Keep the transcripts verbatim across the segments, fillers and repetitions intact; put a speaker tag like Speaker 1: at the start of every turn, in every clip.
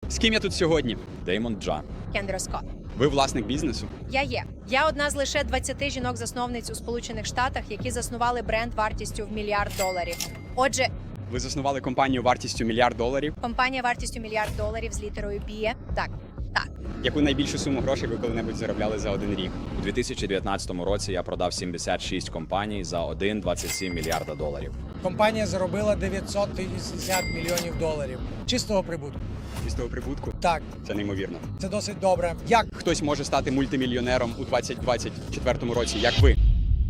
Speaker 1: З ким я тут сьогодні?
Speaker 2: Деймон Джа.
Speaker 3: Кендра Скотт.
Speaker 1: Ви власник бізнесу?
Speaker 3: Я є. Я одна з лише двадцяти жінок-засновниць у Сполучених Штатах, які заснували бренд вартістю в мільярд доларів. Отже,
Speaker 1: Ви заснували компанію вартістю мільярд доларів.
Speaker 3: компанія вартістю мільярд доларів з літерою Б. Так, так.
Speaker 1: Яку найбільшу суму грошей ви коли-небудь заробляли за один рік?
Speaker 2: У дві тисячі дев'ятнадцятому році я продав сімдесят шість компаній за один цілих двадцять сім мільярда доларів.
Speaker 4: Компанія заробила дев'ятсот вісімдесят мільйонів доларів чистого прибутку.
Speaker 1: Чистого прибутку?
Speaker 4: Так,
Speaker 1: Це неймовірно.
Speaker 4: це досить добре. Як
Speaker 1: Хтось може стати мультимільйонером у двадцять двадцять четвертому році, як ви.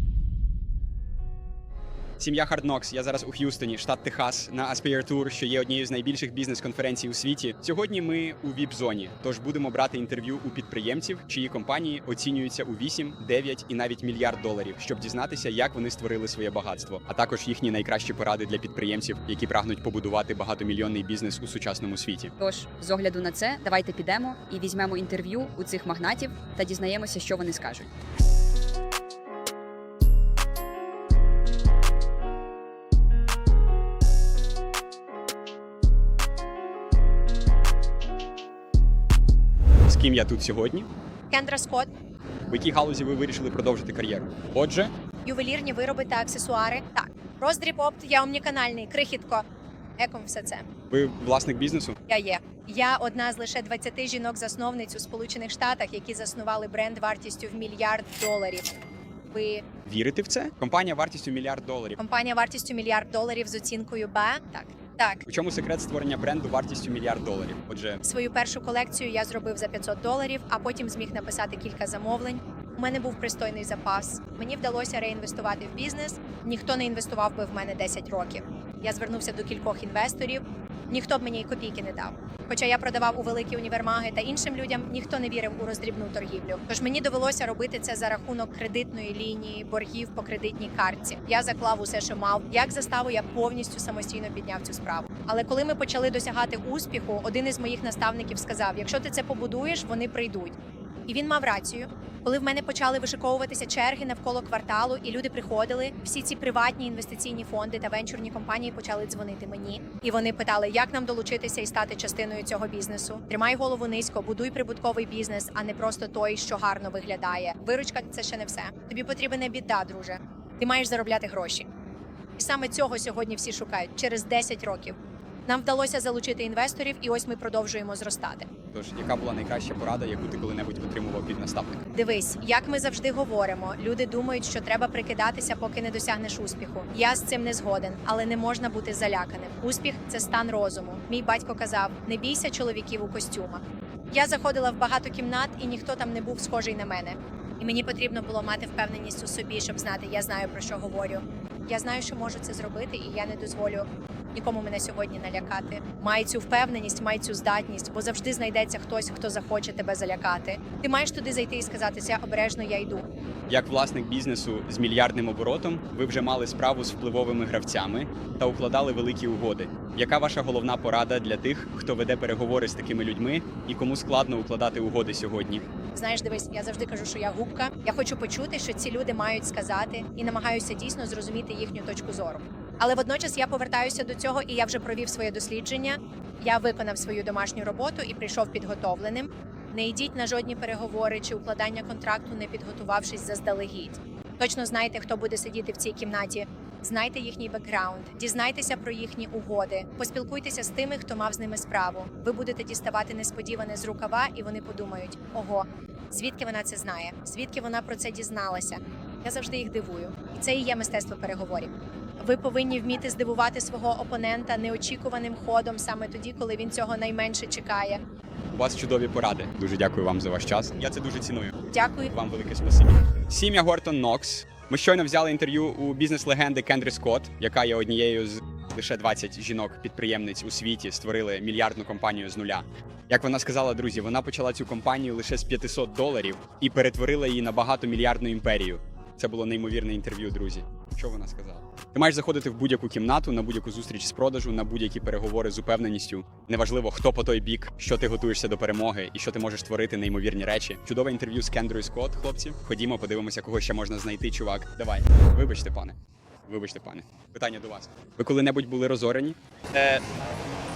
Speaker 1: Сім'я Hard Knocks. Я зараз у Х'юстоні, штат Техас, на Aspire Tour, що є однією з найбільших бізнес-конференцій у світі. Сьогодні ми у віп-зоні, тож будемо брати інтерв'ю у підприємців, чиї компанії оцінюються у вісім, дев'ять і навіть мільярд доларів, щоб дізнатися, як вони створили своє багатство, а також їхні найкращі поради для підприємців, які прагнуть побудувати багатомільйонний бізнес у сучасному світі.
Speaker 5: Тож, з огляду на це, давайте підемо і візьмемо інтерв'ю у цих магнатів та дізнаємося, що вони скажуть.
Speaker 1: З ким я тут сьогодні?
Speaker 3: Кендра Скотт.
Speaker 1: В якій галузі ви вирішили продовжити кар'єру? Отже,
Speaker 3: Ювелірні вироби та аксесуари. Так. Роздріб опт, я омніканальний, крихітко. Еком все це.
Speaker 1: ви власник бізнесу?
Speaker 3: Я є. Я одна з лише двадцяти жінок-засновниць у Сполучених Штатах, які заснували бренд вартістю в мільярд доларів. Ви
Speaker 1: Вірите в це? Компанія вартістю мільярд доларів.
Speaker 3: компанія вартістю мільярд доларів з оцінкою Б? Так. Так.
Speaker 1: У чому секрет створення бренду вартістю мільярд доларів? Отже,
Speaker 3: Свою першу колекцію я зробив за п'ятсот доларів, а потім зміг написати кілька замовлень. У мене був пристойний запас. Мені вдалося реінвестувати в бізнес. Ніхто не інвестував би в мене десять років. Я звернувся до кількох інвесторів. Ніхто б мені й копійки не дав. Хоча я продавав у великі універмаги та іншим людям, ніхто не вірив у роздрібну торгівлю. Тож мені довелося робити це за рахунок кредитної лінії, боргів по кредитній картці. Я заклав усе, що мав. Як заставу, я повністю самостійно підняв цю справу. Але коли ми почали досягати успіху, один із моїх наставників сказав: якщо ти це побудуєш, вони прийдуть. І він мав рацію. Коли в мене почали вишиковуватися черги навколо кварталу, і люди приходили, всі ці приватні інвестиційні фонди та венчурні компанії почали дзвонити мені. І вони питали, як нам долучитися і стати частиною цього бізнесу. Тримай голову низько, будуй прибутковий бізнес, а не просто той, що гарно виглядає. Виручка – це ще не все. Тобі потрібна не біда, друже. Ти маєш заробляти гроші. І саме цього сьогодні всі шукають. Через десять років. Нам вдалося залучити інвесторів, і ось ми продовжуємо зростати.
Speaker 1: тож, яка була найкраща порада, яку ти коли-небудь отримував від наставника?
Speaker 3: Дивись, як ми завжди говоримо, люди думають, що треба прикидатися, поки не досягнеш успіху. Я з цим не згоден, але не можна бути заляканим. Успіх – це стан розуму. Мій батько казав, не бійся чоловіків у костюмах. Я заходила в багато кімнат, і ніхто там не був схожий на мене. І мені потрібно було мати впевненість у собі, щоб знати, я знаю, про що говорю. Я знаю, що можу це зробити, і я не дозволю нікому мене сьогодні налякати. Май цю впевненість, май цю здатність, бо завжди знайдеться хтось, хто захоче тебе залякати. Ти маєш туди зайти і сказати: «Ся, обережно, я йду».
Speaker 1: Як власник бізнесу з мільярдним оборотом, ви вже мали справу з впливовими гравцями та укладали великі угоди. Яка ваша головна порада для тих, хто веде переговори з такими людьми і кому складно укладати угоди сьогодні?
Speaker 3: Знаєш, дивись, я завжди кажу, що я губка. Я хочу почути, що ці люди мають сказати, і намагаюся дійсно зрозуміти їхню точку зору. Але водночас я повертаюся до цього, і я вже провів своє дослідження. Я виконав свою домашню роботу і прийшов підготовленим. Не йдіть на жодні переговори чи укладання контракту, не підготувавшись заздалегідь. Точно знайте, хто буде сидіти в цій кімнаті. Знайте їхній бекграунд, дізнайтеся про їхні угоди, поспілкуйтеся з тими, хто мав з ними справу. Ви будете діставати несподіване з рукава, і вони подумають: ого, звідки вона це знає? Звідки вона про це дізналася? Я завжди їх дивую. І це і є мистецтво переговорів. Ви повинні вміти здивувати свого опонента неочікуваним ходом саме тоді, коли він цього найменше чекає.
Speaker 1: У вас чудові поради. Дуже дякую вам за ваш час. Я це дуже ціную.
Speaker 3: Дякую.
Speaker 1: Вам велике спасибі. Сім'я Гортон Нокс. Ми щойно взяли інтерв'ю у бізнес-легенди Кендри Скотт, яка є однією з лише двадцяти жінок-підприємниць у світі, створили мільярдну компанію з нуля. Як вона сказала, друзі, вона почала цю компанію лише з п'ятисот доларів і перетворила її на багатомільярдну імперію. Це було неймовірне інтерв'ю, друзі. Що вона сказала? Ти маєш заходити в будь-яку кімнату, на будь-яку зустріч з продажу, на будь-які переговори з упевненістю. Неважливо, хто по той бік, що ти готуєшся до перемоги і що ти можеш творити неймовірні речі. Чудове інтерв'ю з Кендрою Скотт, хлопці. Ходімо, подивимося, кого ще можна знайти, чувак. Давай. Вибачте, пане. Вибачте, пане. Питання до вас. Ви коли-небудь були розорені?
Speaker 6: Е,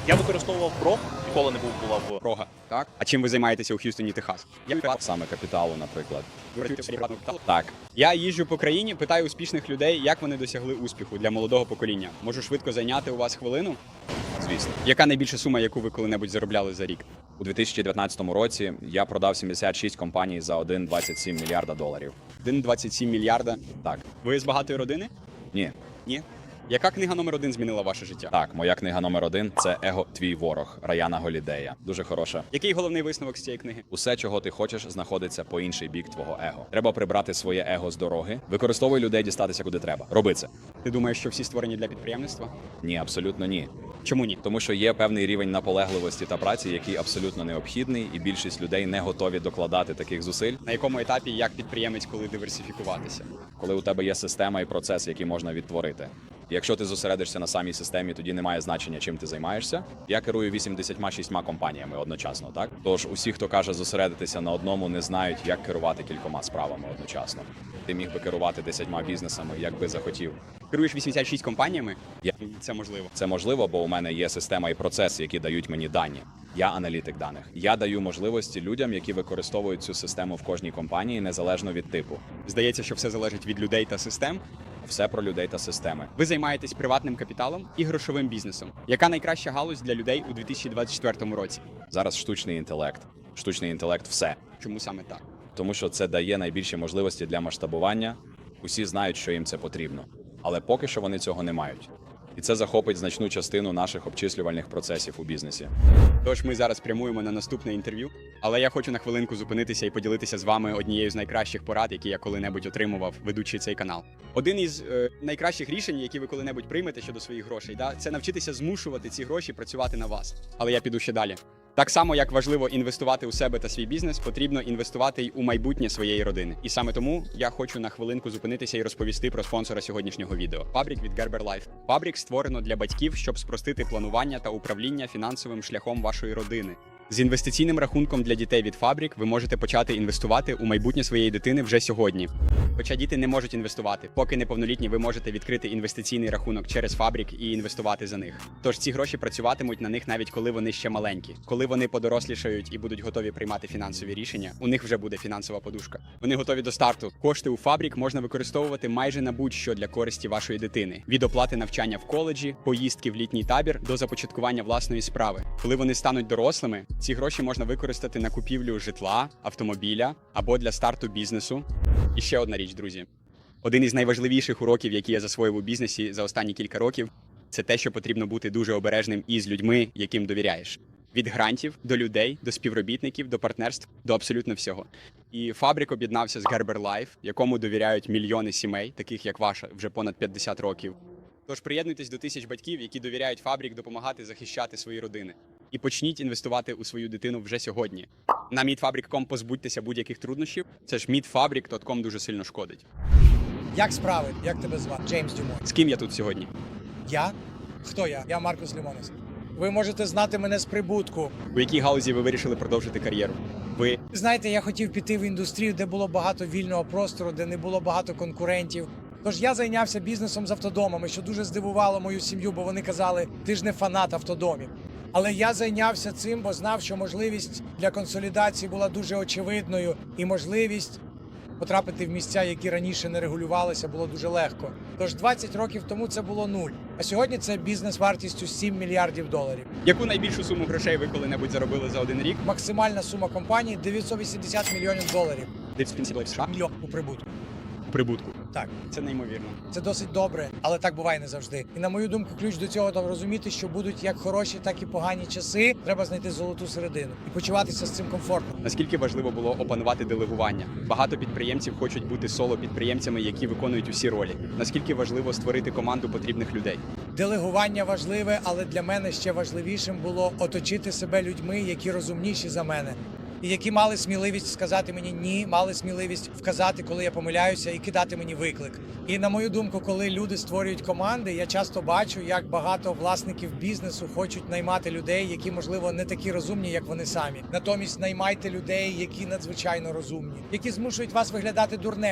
Speaker 6: Я використовував про, ніколи не був була в
Speaker 1: Прога, так? А чим ви займаєтеся у Х'юстоні, Техас? Я
Speaker 2: Саме капіталу, наприклад.
Speaker 1: Так.
Speaker 2: Так,
Speaker 1: Я їжджу по країні, питаю успішних людей, як вони досягли успіху для молодого покоління. Можу швидко зайняти у вас хвилину.
Speaker 2: звісно.
Speaker 1: Яка найбільша сума, яку ви коли-небудь заробляли за рік?
Speaker 2: У дві тисячі дев'ятнадцятому році я продав сімдесят шість компаній за один цілих двадцять сім мільярда доларів.
Speaker 1: один цілих двадцять сім мільярда.
Speaker 2: Так,
Speaker 1: Ви з багатої родини?
Speaker 2: ні.
Speaker 1: Ні. Яка книга номер один змінила ваше життя?
Speaker 2: Так, моя книга номер один це Его твій ворог Раяна Голідея. Дуже хороша.
Speaker 1: Який головний висновок з цієї книги?
Speaker 2: Усе, чого ти хочеш, знаходиться по інший бік твого его. Треба прибрати своє его з дороги. Використовуй людей дістатися куди треба. Роби це.
Speaker 1: Ти думаєш, що всі створені для підприємництва?
Speaker 2: Ні, абсолютно ні.
Speaker 1: Чому ні?
Speaker 2: Тому що є певний рівень наполегливості та праці, який абсолютно необхідний, і більшість людей не готові докладати таких зусиль.
Speaker 1: На якому етапі як підприємець, коли диверсифікуватися?
Speaker 2: Коли у тебе є система і процес, який можна відтворити. І якщо ти зосередишся на самій системі, тоді немає значення, чим ти займаєшся. Я керую вісімдесят шість компаніями одночасно, так? Тож усі, хто каже зосередитися на одному, не знають, як керувати кількома справами одночасно. Ти міг би керувати десятьма бізнесами, як би захотів.
Speaker 1: Керуєш вісімдесят шість компаніями?
Speaker 2: Я-
Speaker 1: Це можливо.
Speaker 2: Це можливо, бо у мене є система і процес, які дають мені дані. Я аналітик даних. Я даю можливості людям, які використовують цю систему в кожній компанії, незалежно від типу.
Speaker 1: Здається, що все залежить від людей та систем.
Speaker 2: Все про людей та системи.
Speaker 1: Ви займаєтесь приватним капіталом і грошовим бізнесом. Яка найкраща галузь для людей у дві тисячі двадцять четвертому році?
Speaker 2: Зараз штучний інтелект. Штучний інтелект все.
Speaker 1: Чому саме так?
Speaker 2: Тому що це дає найбільші можливості для масштабування. Усі знають, що їм це потрібно. Але поки що вони цього не мають. І це захопить значну частину наших обчислювальних процесів у бізнесі.
Speaker 1: Тож ми зараз прямуємо на наступне інтерв'ю, але я хочу на хвилинку зупинитися і поділитися з вами однією з найкращих порад, які я коли-небудь отримував, ведучи цей канал. Один із е, найкращих рішень, які ви коли-небудь приймете щодо своїх грошей, да, це навчитися змушувати ці гроші працювати на вас. Але я піду ще далі. Так само, як важливо інвестувати у себе та свій бізнес, потрібно інвестувати й у майбутнє своєї родини. І саме тому я хочу на хвилинку зупинитися і розповісти про спонсора сьогоднішнього відео. Фабрік від Gerber Life. Фабрік створено для батьків, щоб спростити планування та управління фінансовим шляхом вашої родини. З інвестиційним рахунком для дітей від Фабрік ви можете почати інвестувати у майбутнє своєї дитини вже сьогодні. Хоча діти не можуть інвестувати, поки неповнолітні, ви можете відкрити інвестиційний рахунок через Фабрік і інвестувати за них. Тож ці гроші працюватимуть на них навіть коли вони ще маленькі. Коли вони подорослішають і будуть готові приймати фінансові рішення, у них вже буде фінансова подушка. Вони готові до старту. Кошти у Фабрік можна використовувати майже на будь-що для користі вашої дитини: від оплати навчання в коледжі, поїздки в літній табір до започаткування власної справи. Коли вони стануть дорослими, ці гроші можна використати на купівлю житла, автомобіля або для старту бізнесу. І ще одна річ, друзі. Один із найважливіших уроків, які я засвоїв у бізнесі за останні кілька років, це те, що потрібно бути дуже обережним із людьми, яким довіряєш. Від грантів до людей, до співробітників, до партнерств, до абсолютно всього. І Фабрік об'єднався з Gerber Life, якому довіряють мільйони сімей, таких як ваша, вже понад п'ятдесят років. Тож приєднуйтесь до тисяч батьків, які довіряють Фабрік допомагати захищати свої родини. І почніть інвестувати у свою дитину вже сьогодні. На мідфабрік точка ком позбудьтеся будь-яких труднощів. Це ж мідфабрік точка ком дуже сильно шкодить.
Speaker 4: Як справи? Як тебе звати? Джеймс Дюмон.
Speaker 1: З ким я тут сьогодні?
Speaker 4: Я? Хто я? Я Маркус Лімонес. Ви можете знати мене з прибутку.
Speaker 1: У якій галузі ви вирішили продовжити кар'єру? Ви
Speaker 4: Знаєте, я хотів піти в індустрію, де було багато вільного простору, де не було багато конкурентів. Тож я зайнявся бізнесом з автодомами, що дуже здивувало мою сім'ю, бо вони казали, ти ж не фанат автодомів. Але я зайнявся цим, бо знав, що можливість для консолідації була дуже очевидною, і можливість потрапити в місця, які раніше не регулювалися, було дуже легко. Тож двадцять років тому це було нуль, а сьогодні це бізнес вартістю сім мільярдів доларів.
Speaker 1: яку найбільшу суму грошей ви коли-небудь заробили за один рік?
Speaker 4: Максимальна сума компанії дев'ятсот вісімдесят мільйонів доларів.
Speaker 1: В США?
Speaker 4: Мільйон у прибутку.
Speaker 1: Прибутку.
Speaker 4: Так.
Speaker 1: Це неймовірно.
Speaker 4: Це досить добре, але так буває не завжди. І на мою думку, ключ до цього там розуміти, що будуть як хороші, так і погані часи. Треба знайти золоту середину і почуватися з цим комфортно.
Speaker 1: Наскільки важливо було опанувати делегування? Багато підприємців хочуть бути соло-підприємцями, які виконують усі ролі. Наскільки важливо створити команду потрібних людей?
Speaker 4: Делегування важливе, але для мене ще важливішим було оточити себе людьми, які розумніші за мене. І які мали сміливість сказати мені ні, мали сміливість вказати, коли я помиляюся, і кидати мені виклик. І на мою думку, коли люди створюють команди, я часто бачу, як багато власників бізнесу хочуть наймати людей, які, можливо, не такі розумні, як вони самі. Натомість наймайте людей, які надзвичайно розумні, які змушують вас виглядати дурнем.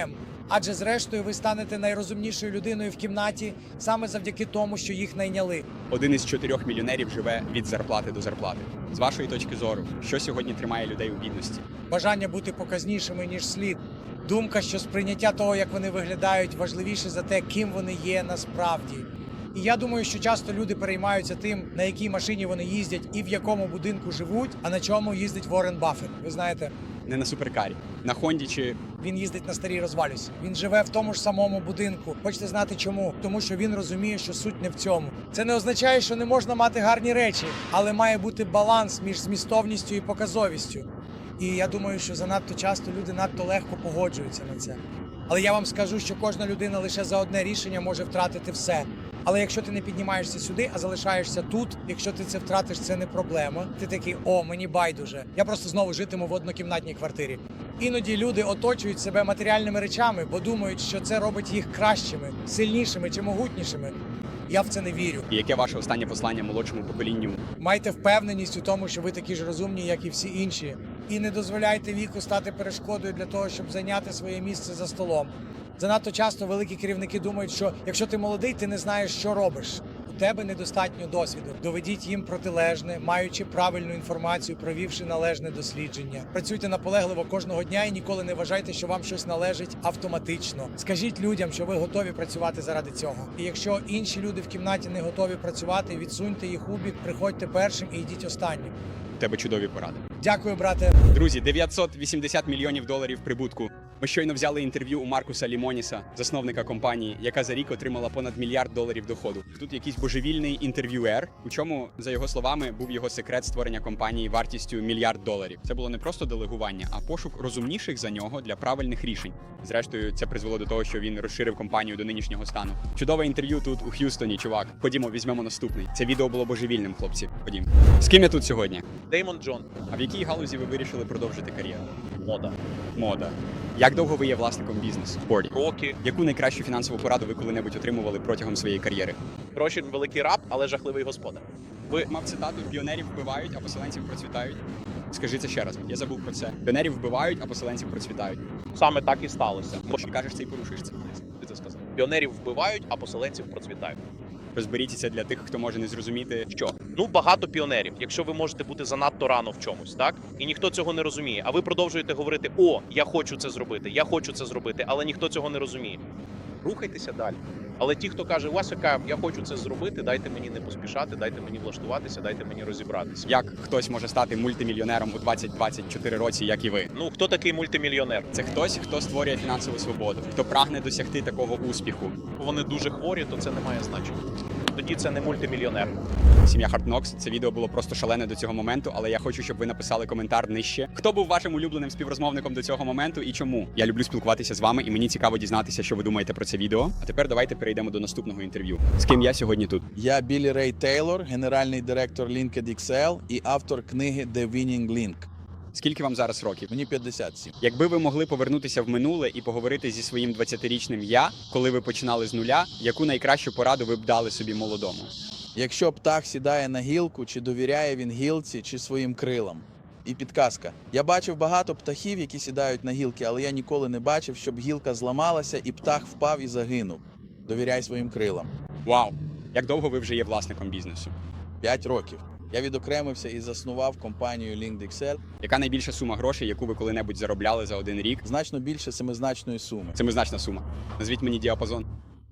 Speaker 4: Адже зрештою ви станете найрозумнішою людиною в кімнаті саме завдяки тому, що їх найняли.
Speaker 1: Один із чотирьох мільйонерів живе від зарплати до зарплати. З вашої точки зору, що сьогодні тримає людей у бідності?
Speaker 4: Бажання бути показнішими, ніж слід. Думка, що сприйняття того, як вони виглядають, важливіше за те, ким вони є насправді. І я думаю, що часто люди переймаються тим, на якій машині вони їздять і в якому будинку живуть, а на чому їздить Ворен Баффет. Ви знаєте,
Speaker 1: Не на суперкарі, на Хонді чи
Speaker 4: він їздить на старій розвалюсі. Він живе в тому ж самому будинку. Хочете знати чому? Тому що він розуміє, що суть не в цьому. Це не означає, що не можна мати гарні речі, але має бути баланс між змістовністю і показовістю. І я думаю, що занадто часто люди надто легко погоджуються на це. Але я вам скажу, що кожна людина лише за одне рішення може втратити все. Але якщо ти не піднімаєшся сюди, а залишаєшся тут, якщо ти це втратиш, це не проблема. Ти такий, о, мені байдуже. Я просто знову житиму в однокімнатній квартирі. Іноді люди оточують себе матеріальними речами, бо думають, що це робить їх кращими, сильнішими чи могутнішими. Я в це не вірю.
Speaker 1: І яке ваше останнє послання молодшому поколінню?
Speaker 4: Майте впевненість у тому, що ви такі ж розумні, як і всі інші. І не дозволяйте віку стати перешкодою для того, щоб зайняти своє місце за столом. Занадто часто великі керівники думають, що якщо ти молодий, ти не знаєш, що робиш. У тебе недостатньо досвіду. Доведіть їм протилежне, маючи правильну інформацію, провівши належне дослідження. Працюйте наполегливо кожного дня і ніколи не вважайте, що вам щось належить автоматично. Скажіть людям, що ви готові працювати заради цього. І якщо інші люди в кімнаті не готові працювати, відсуньте їх у бік, приходьте першим і йдіть останнім.
Speaker 1: У тебе чудові поради.
Speaker 4: Дякую, брате.
Speaker 1: Друзі, дев'ятсот вісімдесят мільйонів доларів прибутку. Ми щойно взяли інтерв'ю у Маркуса Лімоніса, засновника компанії, яка за рік отримала понад мільярд доларів доходу. Тут якийсь божевільний інтерв'юер, у чому, за його словами, був його секрет створення компанії вартістю мільярд доларів. Це було не просто делегування, а пошук розумніших за нього для правильних рішень. Зрештою, це призвело до того, що він розширив компанію до нинішнього стану. Чудове інтерв'ю тут у Х'юстоні, чувак. Ходімо, візьмемо наступний. Це відео було божевільним, хлопці. Ходімо. З ким я тут сьогодні?
Speaker 6: Деймон Джон.
Speaker 1: А в якій галузі ви вирішили продовжити кар'єру?
Speaker 6: Мода.
Speaker 1: Мода. Як довго ви є власником бізнесу? Спорті.
Speaker 6: Роки.
Speaker 1: Яку найкращу фінансову пораду ви коли-небудь отримували протягом своєї кар'єри?
Speaker 6: Гроші великий раб, але жахливий господар.
Speaker 1: Ви мав цитату «Піонерів вбивають, а поселенців процвітають». Скажи це ще раз, я забув про це. Піонерів вбивають, а поселенців процвітають.
Speaker 6: Саме так і сталося.
Speaker 1: Ти кажеш це і порушуєш це. Ти це сказав.
Speaker 6: Піонерів вбивають, а поселенців процвітають.
Speaker 1: Розберіться це для тих, хто може не зрозуміти, що.
Speaker 6: Ну, багато піонерів, якщо ви можете бути занадто рано в чомусь, так? І ніхто цього не розуміє. А ви продовжуєте говорити: о, я хочу це зробити, я хочу це зробити, але ніхто цього не розуміє. Рухайтеся далі. Але ті, хто каже, у вас яка, я хочу це зробити, дайте мені не поспішати, дайте мені влаштуватися, дайте мені розібратися.
Speaker 1: Як хтось може стати мультимільйонером у двадцять двадцять чотири році, як і ви?
Speaker 6: Ну, хто такий мультимільйонер?
Speaker 1: Це хтось, хто створює фінансову свободу, хто прагне досягти такого успіху.
Speaker 6: Вони дуже хворі, то це не має значення. Тоді це не мультимільйонер.
Speaker 1: Сім'я Hard Knocks. Це відео було просто шалене до цього моменту, але я хочу, щоб ви написали коментар нижче. Хто був вашим улюбленим співрозмовником до цього моменту і чому? Я люблю спілкуватися з вами, і мені цікаво дізнатися, що ви думаєте про це відео. А тепер давайте перейдемо до наступного інтерв'ю. З ким я сьогодні тут?
Speaker 7: Я Біллі Рей Тейлор, генеральний директор Linked ікс ел і автор книги The Winning Link.
Speaker 1: Скільки вам зараз років?
Speaker 7: Мені п'ятдесят сім.
Speaker 1: Якби ви могли повернутися в минуле і поговорити зі своїм двадцятирічним я, коли ви починали з нуля, яку найкращу пораду ви б дали собі молодому?
Speaker 7: Якщо птах сідає на гілку, чи довіряє він гілці, чи своїм крилам? І підказка. Я бачив багато птахів, які сідають на гілки, але я ніколи не бачив, щоб гілка зламалася і птах впав і загинув. Довіряй своїм крилам.
Speaker 1: Вау! Як довго ви вже є власником бізнесу?
Speaker 7: П'ять років. Я відокремився і заснував компанію Linked ікс ел.
Speaker 1: Яка найбільша сума грошей, яку ви коли-небудь заробляли за один рік?
Speaker 7: Значно більше семизначної суми.
Speaker 1: Семизначна сума. Назвіть мені діапазон.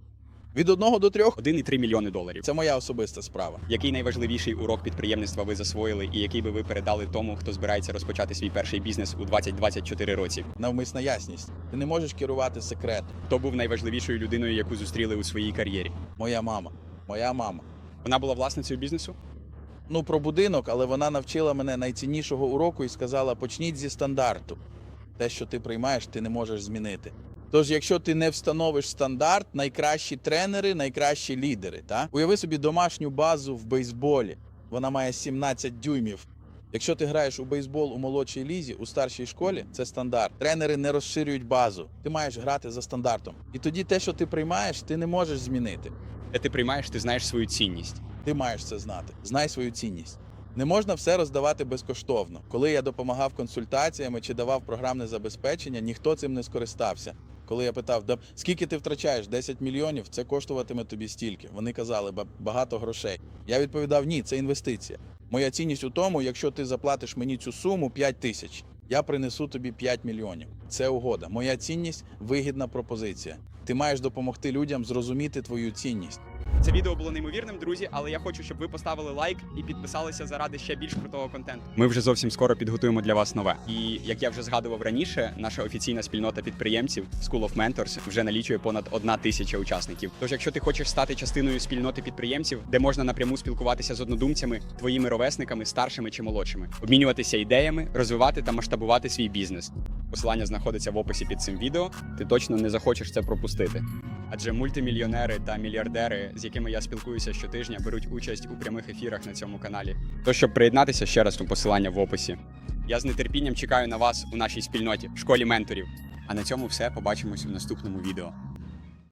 Speaker 7: Від одного до трьох
Speaker 1: один і три мільйони доларів.
Speaker 7: це моя особиста справа.
Speaker 1: Який найважливіший урок підприємництва ви засвоїли і який би ви передали тому, хто збирається розпочати свій перший бізнес у двадцять двадцять чотири році?
Speaker 7: Навмисна ясність. Ти не можеш керувати секретом.
Speaker 1: Хто був найважливішою людиною, яку зустріли у своїй кар'єрі?
Speaker 7: Моя мама. Моя мама.
Speaker 1: Вона була власницею бізнесу?
Speaker 7: Ну, про будинок, але вона навчила мене найціннішого уроку і сказала: почніть зі стандарту. Те, що ти приймаєш, ти не можеш змінити. Тож, якщо ти не встановиш стандарт, найкращі тренери, найкращі лідери, та? Уяви собі домашню базу в бейсболі. Вона має сімнадцять дюймів. Якщо ти граєш у бейсбол у молодшій лізі, у старшій школі, це стандарт. Тренери не розширюють базу. Ти маєш грати за стандартом. І тоді те, що ти приймаєш, ти не можеш змінити.
Speaker 1: Де ти приймаєш, ти знаєш свою цінність.
Speaker 7: Ти маєш це знати. Знай свою цінність. Не можна все роздавати безкоштовно. Коли я допомагав консультаціями чи давав програмне забезпечення, ніхто цим не скористався. Коли я питав, да, скільки ти втрачаєш? десять мільйонів, це коштуватиме тобі стільки. Вони казали, «Ба- багато грошей. Я відповідав, ні, це інвестиція. Моя цінність у тому, якщо ти заплатиш мені цю суму п'ять тисяч, я принесу тобі п'ять мільйонів. Це угода. Моя цінність – вигідна пропозиція. Ти маєш допомогти людям зрозуміти твою цінність.
Speaker 1: Це відео було неймовірним, друзі, але я хочу, щоб ви поставили лайк і підписалися заради ще більш крутого контенту. Ми вже зовсім скоро підготуємо для вас нове. І як я вже згадував раніше, наша офіційна спільнота підприємців School of Mentors вже налічує понад одна тисяча учасників. Тож, якщо ти хочеш стати частиною спільноти підприємців, де можна напряму спілкуватися з однодумцями, твоїми ровесниками, старшими чи молодшими, обмінюватися ідеями, розвивати та масштабувати свій бізнес. Посилання знаходиться в описі під цим відео. Ти точно не захочеш це пропустити. Адже мультимільйонери та мільярдери, з якими я спілкуюся щотижня, беруть участь у прямих ефірах на цьому каналі. Тож, щоб приєднатися, ще раз у посилання в описі. Я з нетерпінням чекаю на вас у нашій спільноті, школі менторів. А на цьому все. Побачимось у наступному відео.